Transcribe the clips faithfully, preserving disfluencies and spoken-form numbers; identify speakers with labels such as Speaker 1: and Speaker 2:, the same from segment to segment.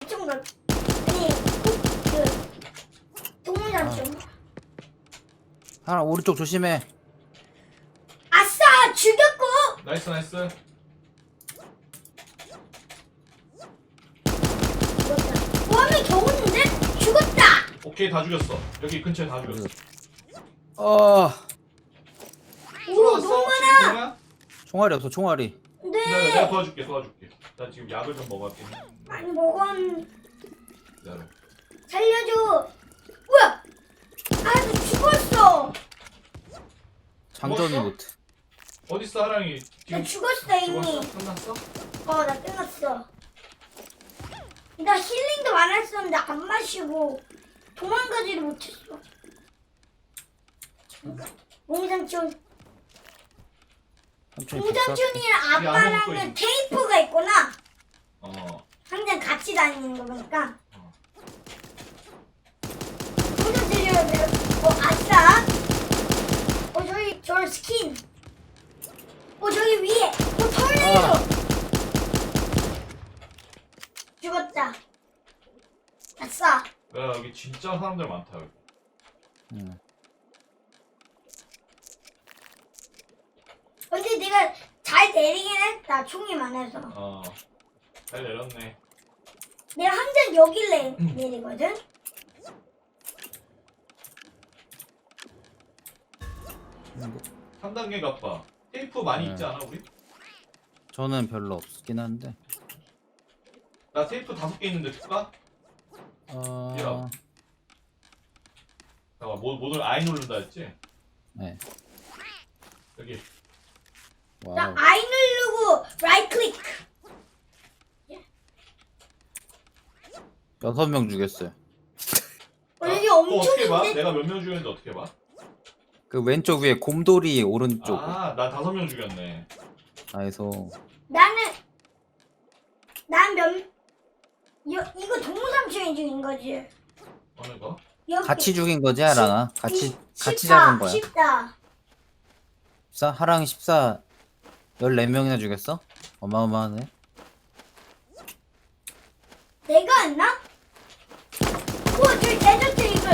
Speaker 1: 총각 아니 그 동물삼촌.
Speaker 2: 하나 오른쪽 조심해.
Speaker 1: 아싸 죽였고.
Speaker 3: 나이스 나이스.
Speaker 1: 죽었다. 와면 겨웠는데 죽었다.
Speaker 3: 오케이 다 죽였어. 여기 근처에 다 죽였어.
Speaker 2: 어
Speaker 1: 오 너무 많아.
Speaker 3: 많아?
Speaker 2: 총알이 없어 총알이.
Speaker 3: 기다려 내가
Speaker 1: 네.
Speaker 3: 도와줄게 도와줄게. 나 지금 약을 좀 먹었긴.
Speaker 1: 많이 먹었.
Speaker 3: 기다려.
Speaker 1: 살려줘. 뭐야? 아나 죽었어.
Speaker 2: 장전이
Speaker 3: 죽었어?
Speaker 2: 못해.
Speaker 3: 어딨어 하랑이?
Speaker 1: 나
Speaker 3: 지금
Speaker 1: 죽었어 이미.
Speaker 3: 죽었어? 끝났어?
Speaker 1: 어, 나 끝났어. 나 힐링도 많았었는데 안 마시고 도망가지를 못했어. 몽삼촌,
Speaker 2: 삼촌이
Speaker 1: 몽삼촌이랑
Speaker 3: 이게 안 먹고
Speaker 1: 아빠랑은
Speaker 3: 있는-
Speaker 1: 테이프가 있구나.
Speaker 3: 어.
Speaker 1: 항상 같이 다니는 거 보니까.
Speaker 3: 어.
Speaker 1: 몽삼촌이랑 내가, 어, 아싸. 어, 저기, 저 스킨. 어, 저기 위에. 어, 털레이도.
Speaker 2: 아.
Speaker 1: 죽었다. 아싸.
Speaker 3: 야 여기 진짜 사람들 많다 여기.
Speaker 2: 응.
Speaker 1: 근데 내가 잘 내리긴 했다. 총이 많아서.
Speaker 3: 어. 잘 내렸네.
Speaker 1: 내가 항상 여길 내,
Speaker 3: 음.
Speaker 1: 내리거든.
Speaker 3: 삼 단계 갑바. 테이프 많이
Speaker 2: 네.
Speaker 3: 있지 않아 우리?
Speaker 2: 저는 별로 없긴 한데.
Speaker 3: 나 테이프 다섯 개 있는데 줄까?
Speaker 2: 어.
Speaker 3: 야. 잠깐만 뭐, 뭐를 아이 누른다 했지?
Speaker 2: 네.
Speaker 3: 여기.
Speaker 1: 나
Speaker 2: 와우.
Speaker 1: I 누르고 라이트 클릭.
Speaker 2: 여섯 명 죽였어요.
Speaker 1: 어, 여기
Speaker 3: 어,
Speaker 1: 엄청
Speaker 3: 어떻게 봐?
Speaker 1: 있는데.
Speaker 3: 내가 몇 명 죽였는데 어떻게 봐?
Speaker 2: 그 왼쪽 위에 곰돌이 오른쪽.
Speaker 3: 아, 나 다섯 명 죽였네.
Speaker 2: 아에서
Speaker 1: 나는 난 몇, 여, 이거 동물삼촌이 죽인 거지.
Speaker 3: 어느 거?
Speaker 1: 여기
Speaker 2: 같이 죽인 거지 하랑아? 같이
Speaker 1: 이-
Speaker 2: 같이
Speaker 1: 십사,
Speaker 2: 잡은 거야.
Speaker 1: 십사.
Speaker 2: 십사 하랑이 십사 열네 명이나 죽였어? 어마어마하네.
Speaker 1: 내가 했나? 우와 저기 데저트 이글.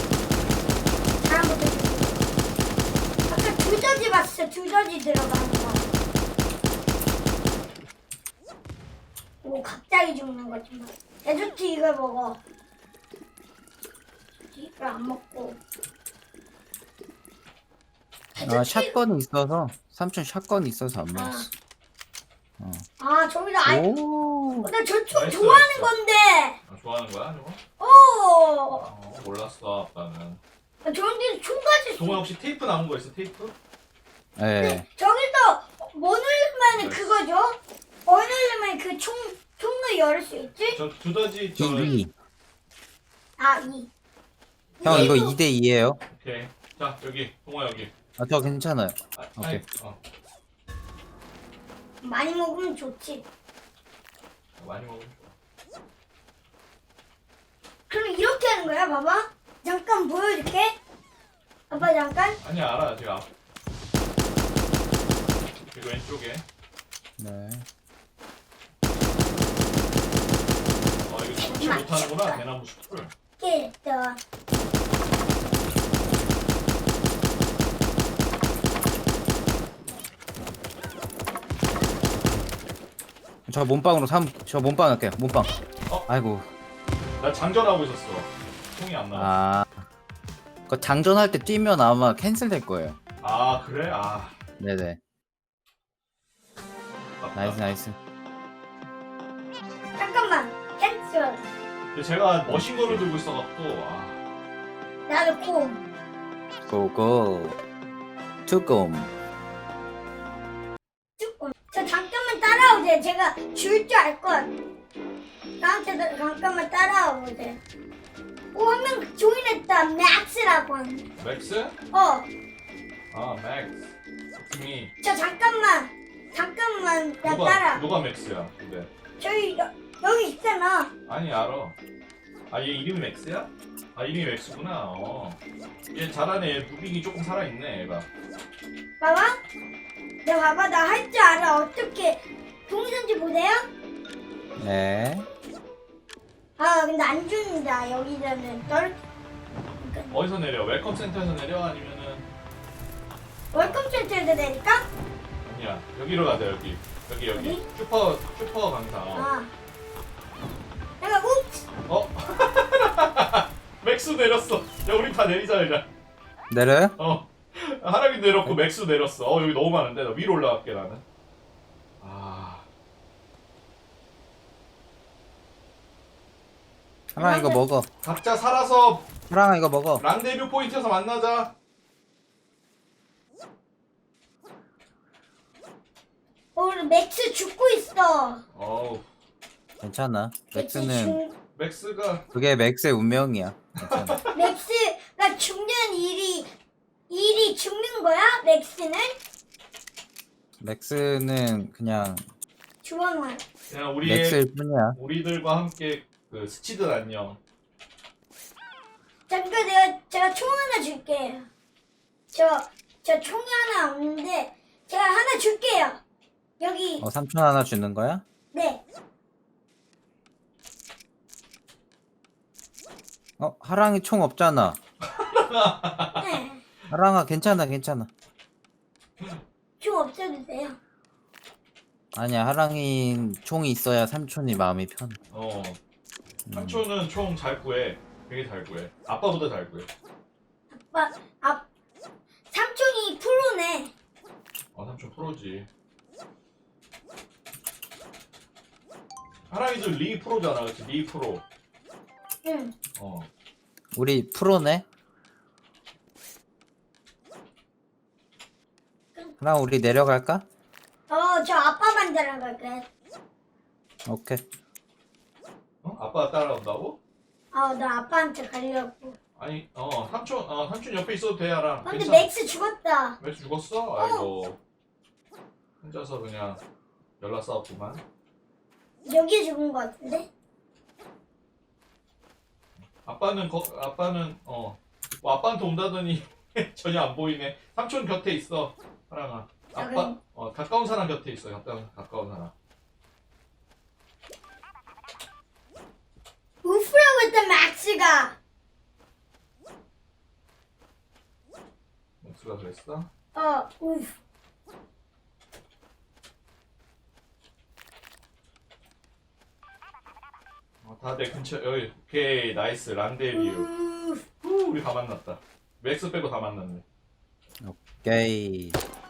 Speaker 1: 다음부터 죽이고. 아까 두더지 봤어. 두더지 들어가는 거. 오 갑자기 죽는 거지 뭐. 데저트 이글 먹어. 이걸 안 먹고.
Speaker 2: 아 샷건이 있어서 삼촌 샷건이 있어서 안 먹었어. 어.
Speaker 1: 아 저기다 아이.
Speaker 2: 오.
Speaker 1: 나 저 총
Speaker 3: 나이스,
Speaker 1: 좋아하는
Speaker 3: 나이스.
Speaker 1: 건데.
Speaker 3: 아, 좋아하는 거야 저거?
Speaker 1: 오.
Speaker 3: 어, 몰랐어 아빠는.
Speaker 1: 아, 저런데 총까지.
Speaker 3: 동아 혹시 테이프 남은 거 있어 테이프?
Speaker 2: 네.
Speaker 1: 네, 저기서 뭐 누르면
Speaker 3: 네.
Speaker 1: 그거죠? 뭐 누르면 그 총, 총을 열 수 있지?
Speaker 3: 저 두더지 저.
Speaker 2: 이.
Speaker 1: 아, 이.
Speaker 2: 형 이거
Speaker 1: 이거
Speaker 2: 이 대 이예요.
Speaker 3: 오케이. 자 여기 동아 여기.
Speaker 2: 아 저 괜찮아요.
Speaker 3: 아,
Speaker 2: 오케이.
Speaker 3: 아이, 어,
Speaker 1: 많이 먹으면 좋지.
Speaker 3: 많이 먹으면 좋아.
Speaker 1: 그럼 이렇게 하는 거야, 봐봐. 잠깐 보여줄게. 아빠 잠깐.
Speaker 3: 아니 알아 제가. 그리고 왼쪽에.
Speaker 2: 네.
Speaker 3: 어 이거 춤치 못하는구나 대나무 숲을.
Speaker 1: 이렇게 했어.
Speaker 2: 저 몸빵으로 삼 저 몸빵 할게요. 몸빵.
Speaker 3: 어?
Speaker 2: 아이고.
Speaker 3: 나 장전하고 있었어. 총이 안 나와.
Speaker 2: 아. 그 장전할 때 뛰면 아마 캔슬 될 거예요.
Speaker 3: 아 그래? 아.
Speaker 2: 네네.
Speaker 3: 아깝다.
Speaker 2: 나이스 나이스.
Speaker 1: 잠깐만. 캔슬.
Speaker 3: 근데 제가 머신건을 들고 있어갖고 아.
Speaker 1: 나도 고.
Speaker 2: 고고. 투곰.
Speaker 1: 조금. 저 잠깐만 따라오세요. 제가 줄 줄 알 것. 나한테 잠깐만 따라와보세요. 오, 한 명 조인했다. 맥스라고 하는.
Speaker 3: 맥스?
Speaker 1: 어.
Speaker 3: 아 맥스. 미.
Speaker 1: 저 잠깐만 잠깐만 나
Speaker 3: 누가
Speaker 1: 따라
Speaker 3: 누가 맥스야? 근데
Speaker 1: 저기 여, 여기 있잖아.
Speaker 3: 아니 알아. 아 얘 이름이 맥스야? 아 이름이 맥스구나. 어. 얘 잘하네. 얘 무빙이 조금 살아있네 얘가.
Speaker 1: 봐봐 나 봐봐 나 할 줄 알아. 어떻게 동선지 보세요.
Speaker 2: 네.
Speaker 1: 아 근데 안 준다 여기서는 널 그러니까
Speaker 3: 어디서 내려? 웰컴 센터에서 내려? 아니면은
Speaker 1: 월급 센터에서 내니까
Speaker 3: 아니야 여기로 가자 여기 여기 여기
Speaker 1: 어디?
Speaker 3: 슈퍼 슈퍼 강사. 어.
Speaker 1: 아 내가 욱스
Speaker 3: 어? 맥스 내렸어. 야 우리 다 내리자 그냥.
Speaker 2: 내려요?
Speaker 3: 어. 하락이 내렸고 맥스 내렸어. 어 여기 너무 많은데 나 위로 올라갈게 나는. 아.
Speaker 2: 하랑아 이거 먹어.
Speaker 3: 각자 살아서
Speaker 2: 하랑아 이거 먹어.
Speaker 3: 랑데뷰 포인트에서 만나자.
Speaker 1: 어 맥스 죽고 있어.
Speaker 3: 어우.
Speaker 2: 괜찮아.
Speaker 1: 맥스
Speaker 2: 맥스는
Speaker 1: 죽-
Speaker 3: 맥스가
Speaker 2: 그게 맥스의 운명이야. 괜찮아.
Speaker 1: 맥스가 죽는 일이 일이 죽는 거야? 맥스는
Speaker 2: 맥스는 그냥
Speaker 1: 주원만.
Speaker 3: 그냥 우리의
Speaker 2: 맥스일 뿐이야.
Speaker 3: 우리들과 함께 그 스치듯 안녕.
Speaker 1: 잠깐 내가 제가 총 하나 줄게요. 저 저 총이 하나 없는데 제가 하나 줄게요. 여기
Speaker 2: 어 삼촌 하나 주는 거야?
Speaker 1: 네.
Speaker 2: 어 하랑이 총 없잖아.
Speaker 1: 네.
Speaker 2: 하랑아 괜찮아 괜찮아.
Speaker 1: 총 없어도 돼요.
Speaker 2: 아니야 하랑이 총이 있어야 삼촌이 마음이 편해.
Speaker 3: 어.
Speaker 2: 음.
Speaker 3: 삼촌은 총 잘 구해. 되게 잘 구해. 아빠보다 잘 구해.
Speaker 1: 아빠 아 삼촌이 프로네.
Speaker 3: 아 삼촌 프로지. 하랑이도 리 프로잖아, 그렇지? 리 프로.
Speaker 1: 응.
Speaker 3: 어.
Speaker 2: 우리 프로네. 하랑 우리 내려갈까?
Speaker 1: 어 저 아빠만 따라갈게.
Speaker 2: 오케이.
Speaker 3: 어? 아빠가 따라온다고?
Speaker 1: 어나 아빠한테 가려고.
Speaker 3: 아니, 어 삼촌, 어 삼촌 옆에 있어도 돼, 하랑.
Speaker 1: 근데
Speaker 3: 괜찮아.
Speaker 1: 맥스 죽었다.
Speaker 3: 맥스 죽었어? 아이고. 혼자서 그냥 연락 싸웠구만.
Speaker 1: 여기 죽은 거 같은데?
Speaker 3: 아빠는 거, 아빠는 어. 뭐 아빠한테 온다더니 전혀 안 보이네. 삼촌 곁에 있어, 하랑아. 아빠,
Speaker 1: 그럼-
Speaker 3: 어 가까운 사람 곁에 있어. 가까운 가까운 사람.
Speaker 1: 우프라고 했던 맥스가.
Speaker 3: 맥스가 그랬어?
Speaker 1: 어 우프.
Speaker 3: 어, 다 내 근처 여기. 오케이, 나이스 랑데뷰.
Speaker 1: 우프.
Speaker 3: 후, 우리 다 만났다. 맥스 빼고 다 만났네.
Speaker 2: 오케이.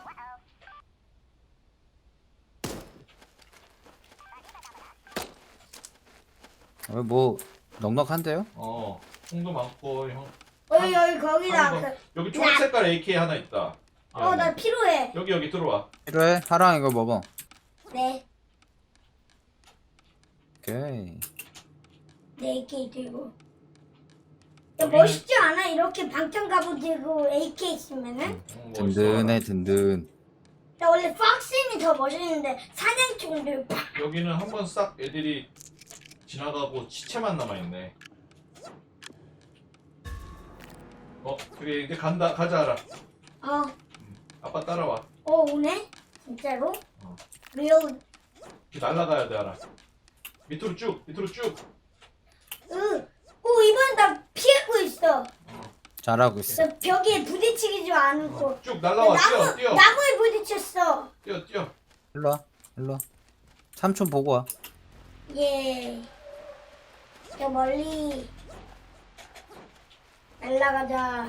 Speaker 2: 어, 뭐 넉넉한데요?
Speaker 3: 어, 총도 많고 형.
Speaker 1: 여기 여기 거기다.
Speaker 3: 한 번.
Speaker 1: 그,
Speaker 3: 여기 초록 색깔 에이케이 하나 있다.
Speaker 1: 어 나 필요해.
Speaker 3: 여기 여기 들어와.
Speaker 2: 필요해? 하랑 이거 먹어.
Speaker 1: 네.
Speaker 2: 오케이.
Speaker 1: 네 에이케이 들고. 야,
Speaker 3: 여기는-
Speaker 1: 멋있지 않아? 이렇게 방탄 갑옷 들고 에이케이 있으면은?
Speaker 3: 어, 뭐
Speaker 2: 든든해 든든.
Speaker 1: 나 원래 박스인이 더 멋있는데 사냥총 들고 팍!
Speaker 3: 있어. 여기는 한 번 싹 애들이 지나가고 시체만 남아 있네. 어, 그래 이제 간다. 가자, 알아.
Speaker 1: 어,
Speaker 3: 아빠 따라와.
Speaker 1: 어 오네? 진짜로?
Speaker 3: 어.
Speaker 1: 리얼
Speaker 3: 이렇게 날아가야 돼, 알아. 밑으로 쭉, 밑으로 쭉.
Speaker 1: 으. 오 이번엔 나 피하고 있어.
Speaker 2: 잘하고 있어.
Speaker 1: 나 벽에 부딪히지 않고
Speaker 3: 어, 쭉 날라와. 뛰어,
Speaker 1: 나무,
Speaker 3: 뛰어,
Speaker 1: 나무에 부딪혔어.
Speaker 3: 뛰어, 뛰어.
Speaker 2: 일로 와. 일로 와. 삼촌 보고 와.
Speaker 1: 예. 저 멀리 날라가자.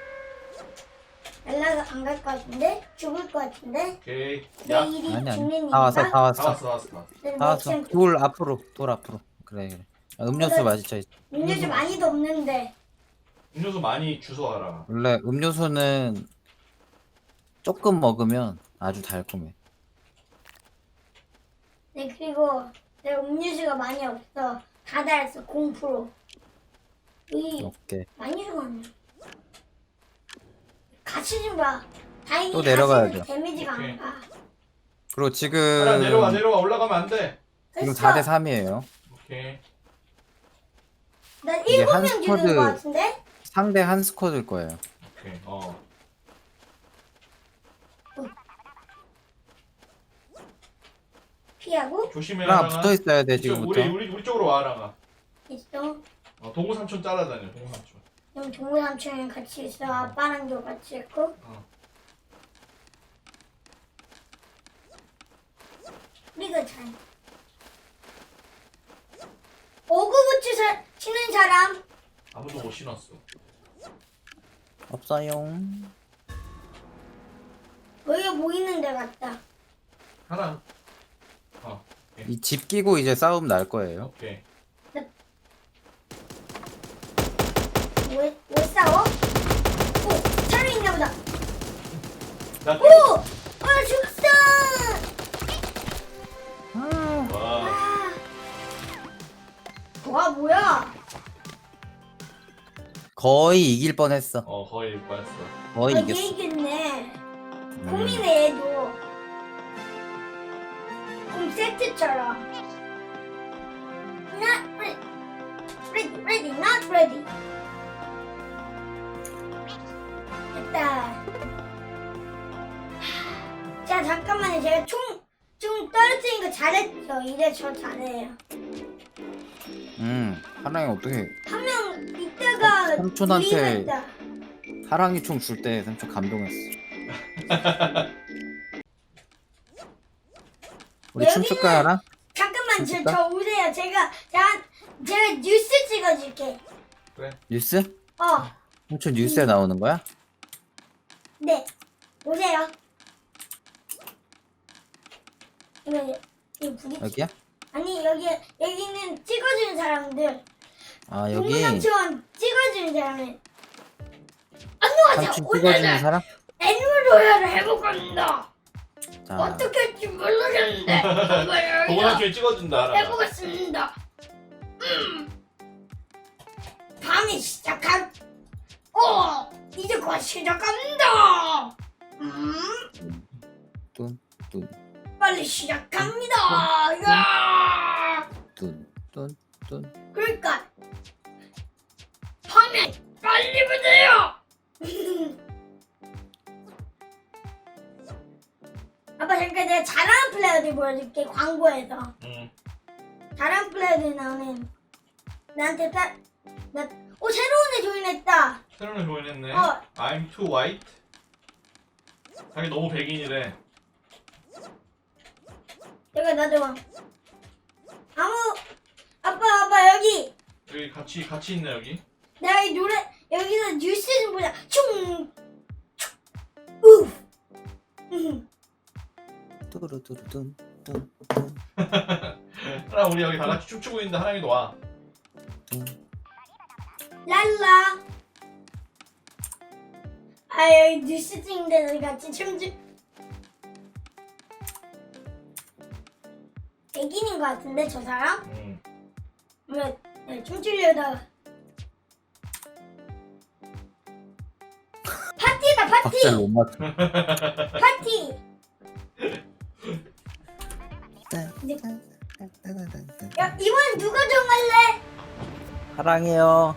Speaker 1: 날라가 안 갈 것 같은데? 죽을 것 같은데?
Speaker 3: 오케이.
Speaker 1: 내
Speaker 3: 야,
Speaker 1: 일이
Speaker 2: 아니
Speaker 1: 죽는
Speaker 2: 아니.
Speaker 1: 일인가?
Speaker 2: 다 왔어 다
Speaker 3: 다
Speaker 2: 왔어.
Speaker 3: 왔어, 다 왔어, 다 왔어.
Speaker 1: 네,
Speaker 2: 다 왔어.
Speaker 1: 지금
Speaker 2: 돌 앞으로. 돌 앞으로. 그래 그래. 아, 음료수 마시자.
Speaker 1: 음료수 많이도 없는데.
Speaker 3: 음료수 많이 주워, 알아.
Speaker 2: 원래 음료수는 조금 먹으면 아주 달콤해.
Speaker 1: 네 그리고 내가 음료수가 많이 없어. 다 달았어. 공 퍼센트. 이
Speaker 2: 오케이.
Speaker 1: 많이 좋아하네. 같이 좀 봐. 다행히
Speaker 2: 또 내려가야
Speaker 1: 가시는
Speaker 2: 돼.
Speaker 1: 데미지가
Speaker 3: 오케이.
Speaker 1: 안 가.
Speaker 2: 그리고
Speaker 3: 알아,
Speaker 2: 지금
Speaker 3: 내려와, 내려와. 올라가면 안 돼.
Speaker 2: 지금
Speaker 1: 됐어.
Speaker 2: 사 대 삼이에요.
Speaker 3: 오케이.
Speaker 1: 나
Speaker 2: 이게
Speaker 1: 일곱
Speaker 2: 한
Speaker 1: 명 죽는
Speaker 2: 스쿼드-
Speaker 1: 것 같은데?
Speaker 2: 상대 한 스쿼드일 거예요.
Speaker 3: 오케이. 어.
Speaker 1: 피하고?
Speaker 3: 조심해,
Speaker 2: 하랑
Speaker 3: 하랑아.
Speaker 2: 붙어 있어야 돼
Speaker 3: 이쪽,
Speaker 2: 지금부터.
Speaker 3: 우리 우리 우리 쪽으로 와, 하랑아.
Speaker 1: 있어.
Speaker 3: 어, 동우 삼촌 따라다녀. 동우 삼촌.
Speaker 1: 그럼 동우 삼촌이랑 같이 있어. 아빠랑도 같이 있고.
Speaker 3: 어.
Speaker 1: 우리가 잘. 오구부츠 사, 치는 사람.
Speaker 3: 아무도 못 신었어.
Speaker 2: 없어요.
Speaker 1: 여기가 보이는 데 같다.
Speaker 3: 하나. 어.
Speaker 2: 이 집 끼고 이제 싸움 날 거예요.
Speaker 3: 오케이.
Speaker 1: 왜, 왜 싸워? 오, 차를 있나 보다.
Speaker 3: 나.
Speaker 1: 오! 아, 죽었어!
Speaker 3: 와.
Speaker 1: 아. 와, 뭐야?
Speaker 2: 거의 이길 뻔했어.
Speaker 3: 어 거의 뻔했어.
Speaker 2: 거의
Speaker 1: 아, 얘
Speaker 2: 이겼어.
Speaker 1: 이겼네.
Speaker 2: 음.
Speaker 1: 고민해, 얘도. 좀 세트처럼. Not ready. Ready, ready, not ready. 됐다. 자, 잠깐만요. 제가 총, 좀 떨어뜨린 거 잘했죠. 이제 저 잘해요.
Speaker 2: 음, 하랑이 어떻게
Speaker 1: 한 명 이따가
Speaker 2: 삼촌한테-
Speaker 1: 유인했다.
Speaker 2: 하랑이 총 줄 때 삼촌 감동했어. 우리
Speaker 1: 여기는-
Speaker 2: 춤출까 하랑?
Speaker 1: 잠깐만, 저,
Speaker 2: 진짜?
Speaker 1: 저 오세요. 제가, 제가, 제가 뉴스 찍어줄게.
Speaker 3: 그래.
Speaker 2: 뉴스?
Speaker 1: 어,
Speaker 2: 삼촌 뉴스에 나오는 거야?
Speaker 1: 네. 오세요. 이거, 이거 부딪
Speaker 2: 여기야?
Speaker 1: 아니, 여기, 여기는 찍어주는 사람들.
Speaker 2: 아 여기
Speaker 1: 동물삼촌 찍어주는 사람들. 안녕하세요.
Speaker 2: 삼촌 찍어주는
Speaker 1: 오늘은
Speaker 2: 사람?
Speaker 1: 애니멀로얄을 해볼 겁니다.
Speaker 2: 자,
Speaker 1: 어떻게 할지 모르겠는데 한번
Speaker 3: 동우 삼촌이 찍어준다. 하나.
Speaker 1: 해보겠습니다. 음. 밤이 시작한. 어, 이제 곧 시작합니다. 음,
Speaker 2: 뚠뚠
Speaker 1: 빨리 시작합니다. 야,
Speaker 2: 뚠뚠뚠.
Speaker 1: 그러니까 밤이 빨리 보세요. 아빠 잠깐 내가 잘하는 플레이어들 보여줄게. 광고에서
Speaker 3: 응.
Speaker 1: 잘하는 플레이어들 나오는 나한테 따 나, 오 새로운 애 조인했다.
Speaker 3: 새로운 조인했네.
Speaker 1: 어.
Speaker 3: I'm too white. 자기 너무 백인이래.
Speaker 1: 내가 나도 아무 아빠 아빠 여기
Speaker 3: 여기 같이 같이 있네 여기.
Speaker 1: 내가 이 노래 여기서 뉴스 좀 보자. 충 우. 음.
Speaker 2: 뚜루뚜루뚠 뚠뚠
Speaker 3: 하나 우리 여기 다 같이 춤추고 있는데 하랑이도 와.
Speaker 1: 랄라. 아 여기 뉴스 찍는데 너희 같이 춤추. 백인인 것 같은데 저 사람?
Speaker 3: 응.
Speaker 1: 왜 네, 춤추려다가 파티다 파티
Speaker 2: 박자를 못 맞춰.
Speaker 1: 파티. 야 이번 누가 정할래?
Speaker 2: 하랑이요.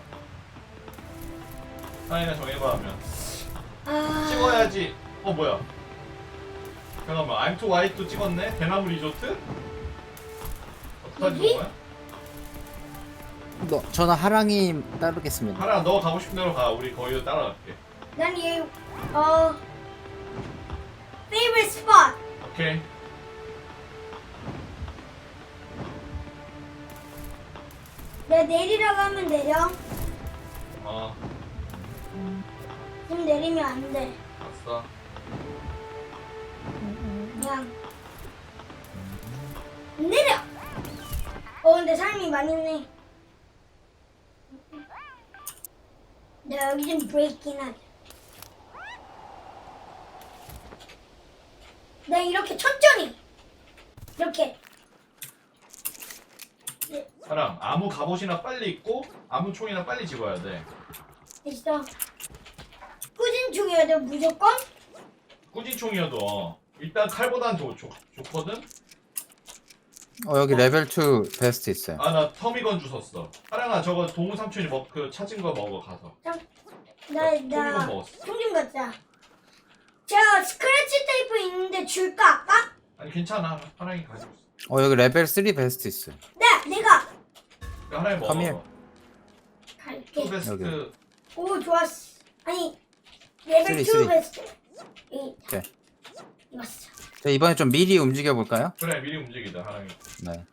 Speaker 3: 하랑이가 정해봐 하면.
Speaker 1: 아
Speaker 3: 찍어야지. 어 뭐야? 잠깐만. I'm too white도 찍었네. 대나무 리조트? 어떡하지
Speaker 1: 여기?
Speaker 3: 뭐야?
Speaker 2: 너, 저는 하랑이 따르겠습니다.
Speaker 3: 하랑 너 가고 싶은 대로 가. 우리 거기로 따라갈게.
Speaker 1: 난얘어 favorite spot.
Speaker 3: 오케이.
Speaker 1: 내가 내리라고 하면 내려.
Speaker 3: 어.
Speaker 1: 지금 내리면 안 돼.
Speaker 3: 봤어.
Speaker 1: 그냥 내려. 어 근데 사람이 많이 있네. 내가 여기 좀 브레이킹 하자. 내가 이렇게 천천히 이렇게. 네,
Speaker 3: 하랑 아무 갑옷이나 빨리 입고 아무 총이나 빨리 집어야 돼.
Speaker 1: 있어. 꾸준 중이어야 돼 무조건.
Speaker 3: 꾸진 총이어도 어. 일단 칼보단 좋, 좋, 좋거든?
Speaker 2: 어 여기 레벨 투 베스트 있어요.
Speaker 3: 아 나 터미건 주웠어. 하랑아 저거 동우 삼촌이 먹, 그 찾은 거 먹어 가서.
Speaker 1: 나나
Speaker 3: 토미건 먹었어.
Speaker 1: 총 좀 갖자. 저 스크래치 테이프 있는데 줄까 아까?
Speaker 3: 아니 괜찮아. 하랑이 가지고 있어.
Speaker 2: 어 여기 레벨 쓰리 베스트 있어요.
Speaker 1: 네 내가.
Speaker 3: 하나에 먹어.
Speaker 2: Come here.
Speaker 1: 갈게.
Speaker 3: 투 베스트.
Speaker 2: 여기.
Speaker 1: 오 좋았어. 아니 레벨
Speaker 2: 쓰리,
Speaker 1: 투
Speaker 2: 쓰리.
Speaker 1: 베스트. 이
Speaker 2: 오케이.
Speaker 1: 이봤어.
Speaker 2: 자, 이번에 좀 미리 움직여 볼까요?
Speaker 3: 그래 미리 움직이자 하랑이.
Speaker 2: 네.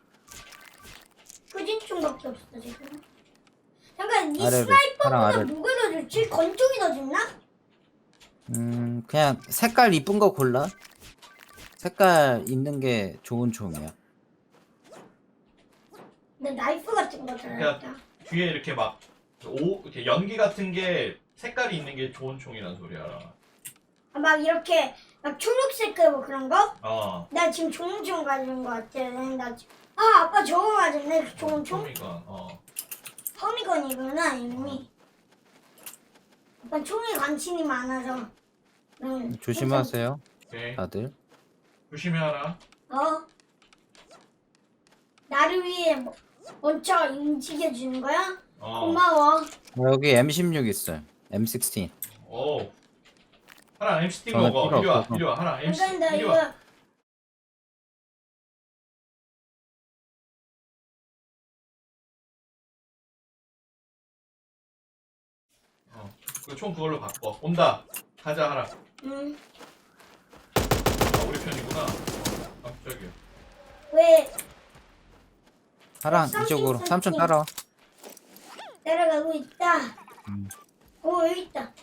Speaker 1: 후진총밖에 없어 지금. 잠깐 이
Speaker 2: 아래로,
Speaker 1: 스나이퍼보다
Speaker 2: 하랑 아래로.
Speaker 1: 뭐가 더 좋지? 권총이 더 좋나?
Speaker 2: 음, 그냥 색깔 이쁜 거 골라. 색깔 있는 게 좋은 총이야.
Speaker 1: 근데 나이프 같은 거
Speaker 3: 그러니까
Speaker 1: 잘했다.
Speaker 3: 뒤에 이렇게 막 오 이렇게 연기 같은 게 색깔이 있는 게 좋은 총이란 소리야.
Speaker 1: 아, 막 이렇게 막 초록색 뭐 그런 거?
Speaker 3: 어.
Speaker 1: 나 지금 좋은 총 가진 거 같아. 나 지금 아 아빠 저거 가졌네. 좋은 총?
Speaker 3: 총이가 어.
Speaker 1: 허미건이구나 이름이. 아빠 총이 관심이 많아서. 응.
Speaker 2: 조심하세요,
Speaker 3: 오케이.
Speaker 2: 다들.
Speaker 3: 조심히 하라.
Speaker 1: 어? 나를 위해 뭐- 먼저 움직여 주는 거야?
Speaker 3: 어.
Speaker 1: 고마워.
Speaker 2: 어, 여기 엠 십육 있어요. 엠 십육.
Speaker 3: 오. 하랑 엠시티
Speaker 2: 저는
Speaker 3: 먹어.
Speaker 2: 필요
Speaker 3: 이리 와.
Speaker 2: 없어서.
Speaker 3: 이리 와. 하랑 엠시
Speaker 1: 잠깐 나
Speaker 3: 이리
Speaker 1: 이거
Speaker 3: 와. 어. 그 총 그걸로 바꿔. 온다. 가자 하랑.
Speaker 1: 응.
Speaker 3: 아 우리 편이구나. 어. 깜짝이야.
Speaker 1: 왜
Speaker 2: 하랑
Speaker 1: 삼촌,
Speaker 2: 이쪽으로.
Speaker 1: 삼촌.
Speaker 2: 삼촌 따라와.
Speaker 1: 따라가고 있다.
Speaker 2: 음.
Speaker 1: 오 여기 있다.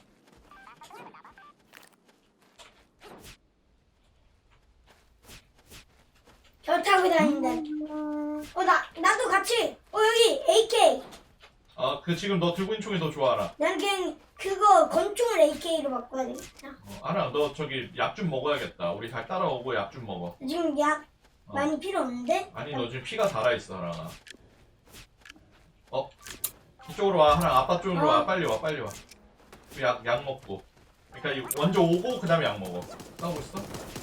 Speaker 1: 저 타고 다닌다. 어 나 나도 같이. 어 여기 에이케이.
Speaker 3: 아 그 지금 너 들고 있는 총이 더 좋아 하랑.
Speaker 1: 난 그냥 그거 권총을 에이케이로 바꿔야 되겠다.
Speaker 3: 어, 하랑 너 저기 약 좀 먹어야겠다. 우리 잘 따라오고 약 좀 먹어.
Speaker 1: 지금 약
Speaker 3: 어.
Speaker 1: 많이 필요 없는데?
Speaker 3: 아니 너 지금 피가 달아있어 하랑아. 어? 이쪽으로 와 하랑. 아빠 쪽으로
Speaker 1: 어.
Speaker 3: 와. 빨리 와 빨리 와. 약, 약 먹고. 그러니까 이- 먼저 오고 그 다음에 약 먹어. 싸우고 있어?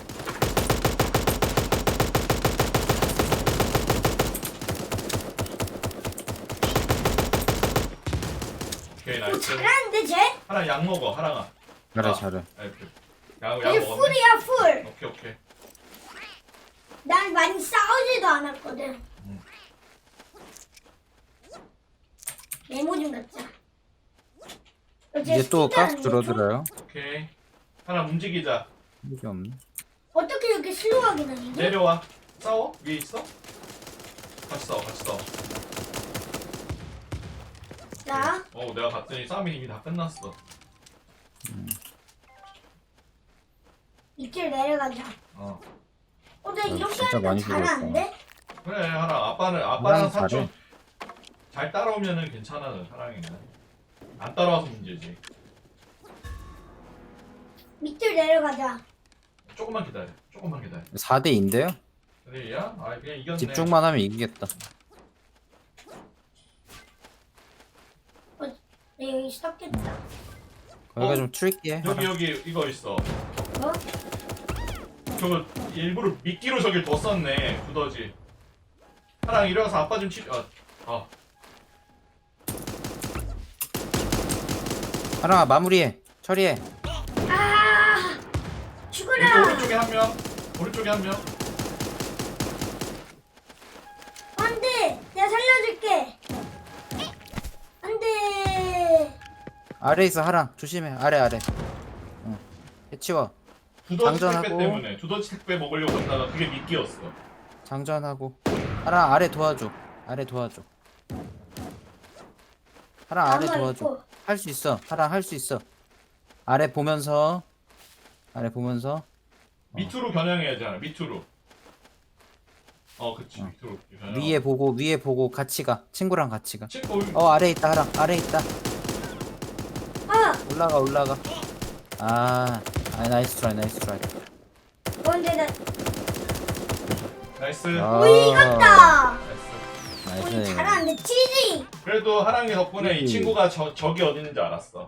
Speaker 3: 오케이
Speaker 1: 오
Speaker 3: 나이스.
Speaker 1: 잘하는데 쟤?
Speaker 3: 하랑 약 먹어 하랑아.
Speaker 2: 잘해,
Speaker 3: 아.
Speaker 2: 잘해.
Speaker 3: 이렇게. 약,
Speaker 1: 이제
Speaker 3: 약 먹었네?
Speaker 1: 풀이야 풀.
Speaker 3: 오케이 오케이.
Speaker 1: 난 많이 싸우지도 않았거든.
Speaker 3: 음.
Speaker 1: 메모 좀 갖자. 어, 쟤
Speaker 2: 이제 또 가스
Speaker 1: 스피드하는데,
Speaker 2: 줄어들어요.
Speaker 3: 오케이. 하랑 움직이자.
Speaker 2: 이게 없네.
Speaker 1: 좀? 어떻게 이렇게 슬로우하게 나는데?
Speaker 3: 내려와. 싸워? 위에 있어? 같이 싸워 같이 싸워.
Speaker 1: 자,
Speaker 3: 어 내가 봤더니 싸움이 이미 다 끝났어.
Speaker 1: 밑으로 내려가자.
Speaker 3: 어.
Speaker 1: 어, 나
Speaker 2: 어,
Speaker 1: 이렇게
Speaker 2: 진짜
Speaker 1: 하니까
Speaker 2: 많이
Speaker 1: 잘하는데?
Speaker 3: 그래 하랑. 아빠는 아빠랑
Speaker 2: 하랑
Speaker 3: 사촌
Speaker 2: 잘해.
Speaker 3: 잘 따라오면은 괜찮아. 사랑이는 안 따라와서 문제지.
Speaker 1: 밑으로 내려가자.
Speaker 3: 조금만 기다려. 조금만 기다려.
Speaker 2: 사 대 이인데요?
Speaker 3: 그래야? 아 그냥 이겼네.
Speaker 2: 집중만 하면 이기겠다.
Speaker 1: 내 여기 썩겠다.
Speaker 2: 여기가
Speaker 3: 어?
Speaker 2: 좀 트리키해.
Speaker 3: 여기 여기 이거 있어.
Speaker 1: 어?
Speaker 3: 저거 일부러 미끼로 저길 뒀었네. 두더지. 하랑 일어나서 아빠 좀 치. 아, 아.
Speaker 2: 하랑아, 마무리해. 처리해.
Speaker 1: 아!
Speaker 3: 여기
Speaker 1: 죽어라!
Speaker 3: 오른쪽에 한 명. 오른쪽에 한 명.
Speaker 1: 안 돼! 내가 살려줄게! 안 돼!
Speaker 2: 아래 있어, 하랑. 조심해. 아래, 아래. 응. 해치워.
Speaker 3: 두더지 택배
Speaker 2: 장전하고.
Speaker 3: 때문에 두더지 택배 먹으려고 했다가 그게 미끼였어.
Speaker 2: 장전하고. 하랑 아래 도와줘. 아래 도와줘. 하랑 아래
Speaker 1: 가만히
Speaker 2: 도와줘.
Speaker 1: 있고.
Speaker 2: 할 수 있어. 하랑 할 수 있어. 아래 보면서. 아래 보면서.
Speaker 3: 밑으로 겨냥해야지 하나. 밑으로. 어, 그치.
Speaker 2: 어.
Speaker 3: 밑으로 겨냥.
Speaker 2: 위에 보고 위에 보고 같이 가. 친구랑 같이 가.
Speaker 3: 친구.
Speaker 2: 어, 아래 있다. 하랑 아래 있다.
Speaker 1: 아!
Speaker 2: 올라가 올라가. 아, 아 나이스 트라이 나이스 트라이.
Speaker 1: 어, 근데 나,
Speaker 3: 나이스.
Speaker 2: 아.
Speaker 1: 오, 이겼다!
Speaker 3: 나이스.
Speaker 1: 우리
Speaker 2: 나이스.
Speaker 1: 잘하는데, 치지!
Speaker 3: 그래도 하랑이 덕분에 이
Speaker 2: 음.
Speaker 3: 친구가 저, 적이 어디 있는지 알았어.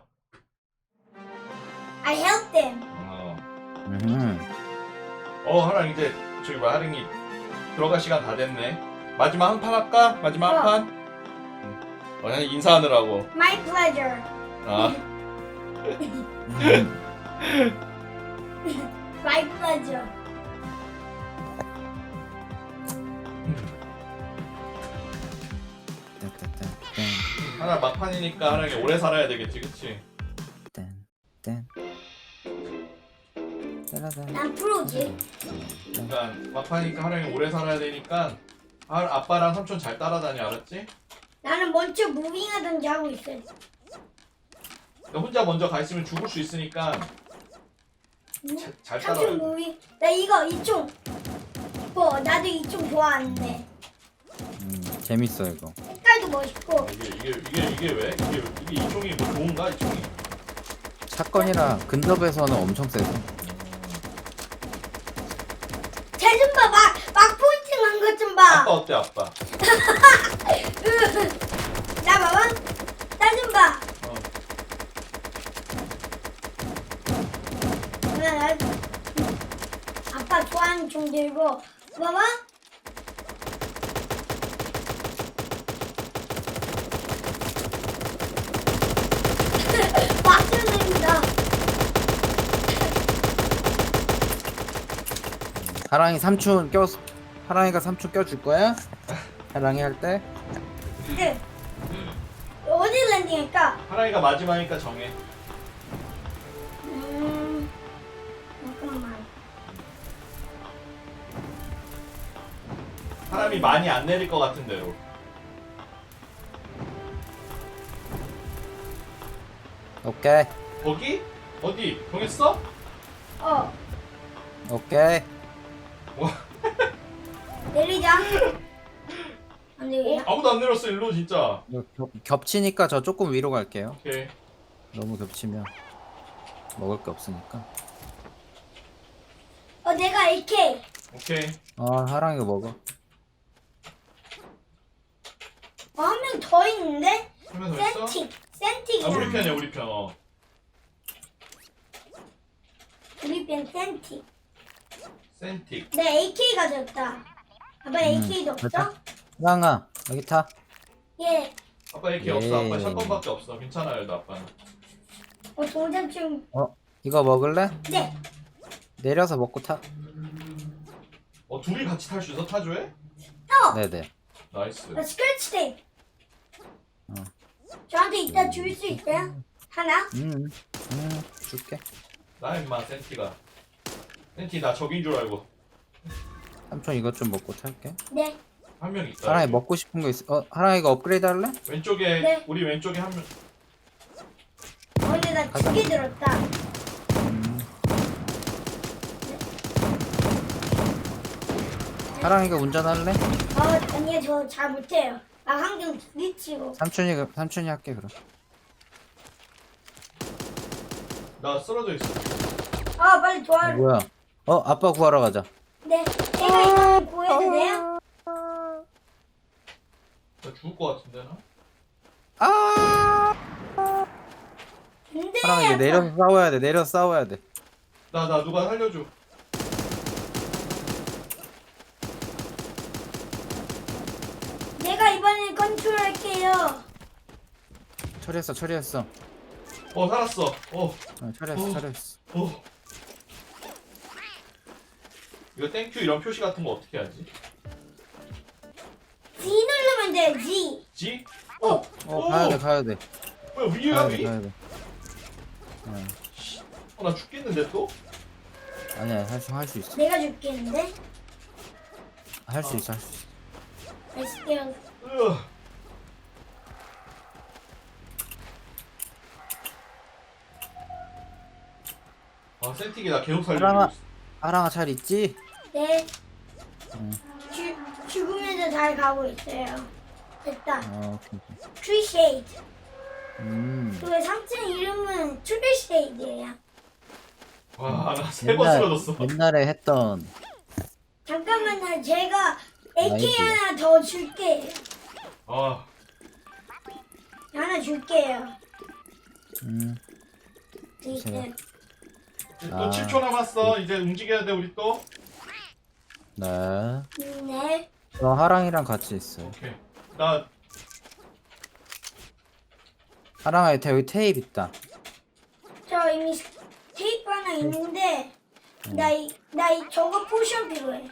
Speaker 1: I helped them.
Speaker 3: 어.
Speaker 2: 음.
Speaker 3: 어, 하랑 이제 저기 뭐 하랑이 들어갈 시간 다 됐네. 마지막 한 판 할까? 마지막 한
Speaker 1: 어.
Speaker 3: 판? 응. 어, 그냥 인사하느라고.
Speaker 1: My pleasure.
Speaker 3: 아.
Speaker 2: 음.
Speaker 1: My pleasure.
Speaker 2: 따따따.
Speaker 3: 하나 막판이니까 하랑이 오래 살아야 되겠지, 그치?
Speaker 2: 땡, 땡. 따라단.
Speaker 1: 난 프로지.
Speaker 3: 그러니까 막판이니까 하랑이 오래 살아야 되니까 아, 아빠랑 삼촌 잘 따라다녀, 알았지?
Speaker 1: 나는 먼저 무빙하든지 하고 있어.
Speaker 3: 그러니까 혼자 먼저 가 있으면 죽을 수 있으니까 자, 잘
Speaker 1: 삼촌
Speaker 3: 따라와야 돼.
Speaker 1: 무빙. 나 이거 이총. 뭐 나도 이총 좋아하는데.
Speaker 2: 음, 재밌어 이거.
Speaker 1: 색깔도 멋있고.
Speaker 3: 이게 이게 이게 이게 왜? 이게 이게 이 총이 뭐 좋은가 이 총이?
Speaker 2: 사건이라 근접에서는 엄청 세서.
Speaker 1: 쟤좀 봐. 막, 막 포인팅 한 것 좀 봐.
Speaker 3: 아빠 어때 아빠?
Speaker 1: 나 봐봐. 나 좀 봐.
Speaker 3: 어.
Speaker 1: 나, 나, 아빠 좋아하는 총 들고. 봐봐. 막혀냅니다.
Speaker 2: 하랑이 삼촌 껴. 하랑이가 삼촌 껴줄 거야? 하랑이 할 때?
Speaker 1: 네. 어디 랜딩할까?
Speaker 3: 하랑이가 마지막이니까 정해.
Speaker 1: 음, 잠깐만.
Speaker 3: 사람이 많이 안 내릴 것 같은 대로.
Speaker 2: 오케이.
Speaker 3: 거기? 어디? 정했어?
Speaker 1: 어,
Speaker 2: 오케이.
Speaker 1: 내리자. 안
Speaker 3: 어?
Speaker 1: 되겠다.
Speaker 3: 아무도 안 내렸어 일로 진짜.
Speaker 2: 이거 겹, 겹치니까 저 조금 위로 갈게요.
Speaker 3: 오케이.
Speaker 2: 너무 겹치면 먹을 게 없으니까.
Speaker 1: 어, 내가 에이케이.
Speaker 3: 오케이.
Speaker 2: 아, 하랑이가 먹어.
Speaker 1: 어, 한 명 더 있는데?
Speaker 3: 한 명 더 있어?
Speaker 1: 센틱.
Speaker 3: 아
Speaker 1: 센틱이야.
Speaker 3: 우리 편이야 우리 편. 어.
Speaker 1: 우리 편 센틱.
Speaker 3: 센틱.
Speaker 1: 내 에이케이 가졌다. 아빠 에이케이도 없어?
Speaker 2: 됐다. 하랑아, 여기 타.
Speaker 1: 예.
Speaker 3: 아빠 이렇게
Speaker 2: 예.
Speaker 3: 없어. 아빠 샷건밖에 없어. 괜찮아요 나 아빠는.
Speaker 1: 어, 동전 좀.
Speaker 2: 어, 이거 먹을래?
Speaker 1: 네.
Speaker 2: 내려서 먹고 타.
Speaker 3: 어 둘이 같이 탈 수 있어 타조에?
Speaker 1: 어,
Speaker 2: 네네.
Speaker 3: 나이스.
Speaker 1: 나 스크래치 테이프.
Speaker 2: 어.
Speaker 1: 저한테 이따 줄 수 있어요? 하나?
Speaker 2: 음, 음, 줄게.
Speaker 3: 나 임마 센티가. 센티 나 적인 줄 알고.
Speaker 2: 삼촌 이것 좀 먹고 탈게.
Speaker 1: 네.
Speaker 3: 한 명 있다.
Speaker 2: 하랑이
Speaker 3: 여기.
Speaker 2: 먹고 싶은 거 있어? 어, 하랑이 이거 업그레이드 할래?
Speaker 3: 왼쪽에
Speaker 1: 네.
Speaker 3: 우리 왼쪽에 한 명.
Speaker 1: 어, 근데 나
Speaker 2: 가자.
Speaker 1: 두 개 들었다.
Speaker 2: 음. 하랑이가 운전할래?
Speaker 1: 어, 아니요, 저 잘 못해요. 나 항상 부딪히고.
Speaker 2: 삼촌이 그- 삼촌이 할게 그럼.
Speaker 3: 나 쓰러져 있어.
Speaker 1: 아, 빨리
Speaker 2: 어,
Speaker 1: 도와줘.
Speaker 2: 뭐야? 어, 아빠 구하러 가자.
Speaker 1: 네. 제가 이거 구해도 돼요?
Speaker 3: 나 죽을 것 같은데 나?
Speaker 2: 아!
Speaker 1: 안 돼.
Speaker 2: 하랑이 이제 내려서 싸워야 돼. 내려서 싸워야 돼.
Speaker 3: 나 나 누가 살려줘.
Speaker 1: 내가 이번엔 컨트롤할게요.
Speaker 2: 처리했어, 처리했어.
Speaker 3: 어 살았어. 어.
Speaker 2: 어, 처리했어,
Speaker 3: 어.
Speaker 2: 처리했어.
Speaker 3: 어. 이거 땡큐 이런 표시 같은 거 어떻게 하지?
Speaker 1: G 누르면 돼, G.
Speaker 3: G?
Speaker 1: 어.
Speaker 3: 어.
Speaker 2: 어, 가야 돼, 가야 돼.
Speaker 3: 뭐야 위야
Speaker 2: 가야 돼,
Speaker 3: 위?
Speaker 2: 가야 돼. 어,
Speaker 3: 어, 나 죽겠는데 또?
Speaker 2: 아니야, 할 수, 할 수 있어.
Speaker 1: 내가 줄겠는데?
Speaker 2: 할 수 있어, 할 수 있어.
Speaker 1: 알았어요.
Speaker 3: 으아. 아 센틱이 나 계속 살리고
Speaker 2: 하랑아.
Speaker 3: 있어.
Speaker 2: 하랑아 잘 있지?
Speaker 1: 네.
Speaker 2: 응.
Speaker 1: 죽, 죽으면서 잘 가고 있어요. 됐다.
Speaker 2: 어, 오케이, 오케이.
Speaker 1: Appreciate.
Speaker 2: 음.
Speaker 1: 그 삼층 이름은 Appreciate예요.
Speaker 3: 와나 세 번 쓰러졌어.
Speaker 2: 옛날에 했던
Speaker 1: 잠깐만요. 제가 에이케이
Speaker 2: 아이디어.
Speaker 1: 하나 더 줄게요.
Speaker 3: 아
Speaker 1: 하나 줄게요.
Speaker 2: 음.
Speaker 1: 이제
Speaker 3: 또
Speaker 2: 아.
Speaker 3: 칠 초 남았어. 이제 움직여야 돼 우리 또.
Speaker 2: 네.
Speaker 1: 네.
Speaker 2: 저 하랑이랑 같이 있어요.
Speaker 3: 오케이. 나
Speaker 2: 하랑아 여기 여기 테이프 있다.
Speaker 1: 저 이미 테이프 하나 있는데 나이 나이 저거 포션 필요해.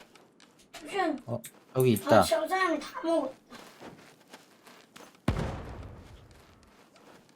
Speaker 1: 포션.
Speaker 2: 어, 여기
Speaker 1: 아,
Speaker 2: 있다.
Speaker 1: 저 사람이 다 먹었다.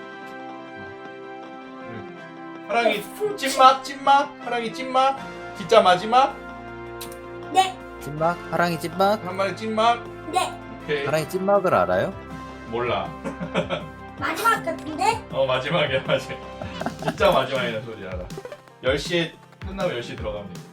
Speaker 3: 하랑이 찐막 찐막 하랑이 찐막 진짜 마지막
Speaker 1: 네,
Speaker 2: 찐막? 하랑이 찐막?
Speaker 3: 한 마리 찐막
Speaker 1: 네.
Speaker 3: 오케이
Speaker 2: 하랑이 찐막을 알아요?
Speaker 3: 몰라
Speaker 1: 마지막 같은데?
Speaker 3: 어 마지막이야 마지막 진짜 마지막이라는 소리 알아 열 시에 끝나고 열 시에 들어가면 돼